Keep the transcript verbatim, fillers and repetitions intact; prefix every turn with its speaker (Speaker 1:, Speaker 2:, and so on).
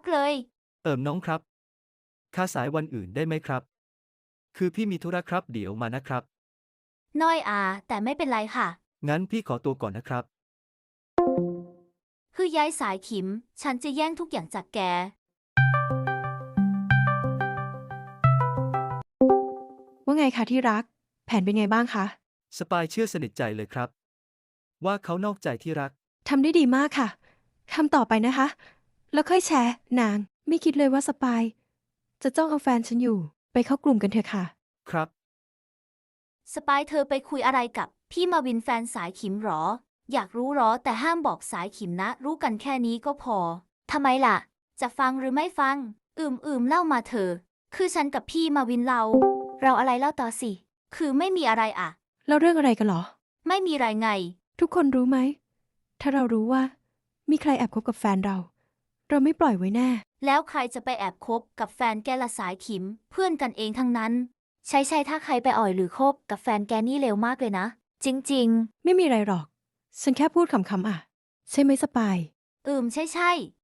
Speaker 1: กเลย
Speaker 2: เอิมน้องครับค่าสายวันอื่นได้ไหมครับคือพี่มีธุระครับเดี๋ยวมานะครับ
Speaker 1: น้อยอาแต่ไม่เป็นไรค่ะ
Speaker 2: งั้นพี่ขอตัวก่อนนะครับ
Speaker 1: คือย้ายสายขิม ฉันจะแย่งทุกอย่างจากแก
Speaker 3: ว่าไงคะที่รัก แผนเป็นไงบ้างคะ
Speaker 2: สปายเชื่อสนิทใจเลยครับว่าเขานอกใจที่รัก
Speaker 3: ทำได้ดีมากค่ะ ทำต่อไปนะคะ แล้วค่อยแชร์นาง ไม่คิดเลยว่าสปาย จะจ้องเอาแฟนฉันอยู่ ไปเข้ากลุ่มกันเถอะค่ะ
Speaker 2: ครับ
Speaker 1: สปายเธอไปคุยอะไรกับพี่มาวินแฟนสายขิมหรอ อยากรู้หรอแต่ห้ามบอกสายขิมนะ รู้กันแค่นี้ก็พอ ทำไมล่ะ จะฟังหรือไม่ฟัง อืมอืมเล่ามาเถอะคือฉันกับพี่มาวินเรา เราอะไรเล่าต่อสิ คือไม่มีอะไรอะ
Speaker 3: แล้วเรื่องอะไรกันเหรอ
Speaker 1: ไม่มีไรไง
Speaker 3: ทุกคนรู้ไหม ถ้าเรารู้ว่า มีใครแอบคบกับแฟนเรา เราไม่ปล่อยไว้แน่
Speaker 1: แล้วใครจะไปแอบคบกับแฟนแกละสายขิม เพื่อนกันเองทั้งนั้น ใช่ใช่ถ้าใครไปอ่อยหรือคบกับแฟนแกนี่เร็วมากเลยนะ จริง
Speaker 3: ไม่มีอะไรหรอก ฉันแค่พูดขำๆอ่ะ ใช่ไหมสปาย
Speaker 1: ๆ อืมใช่ใช่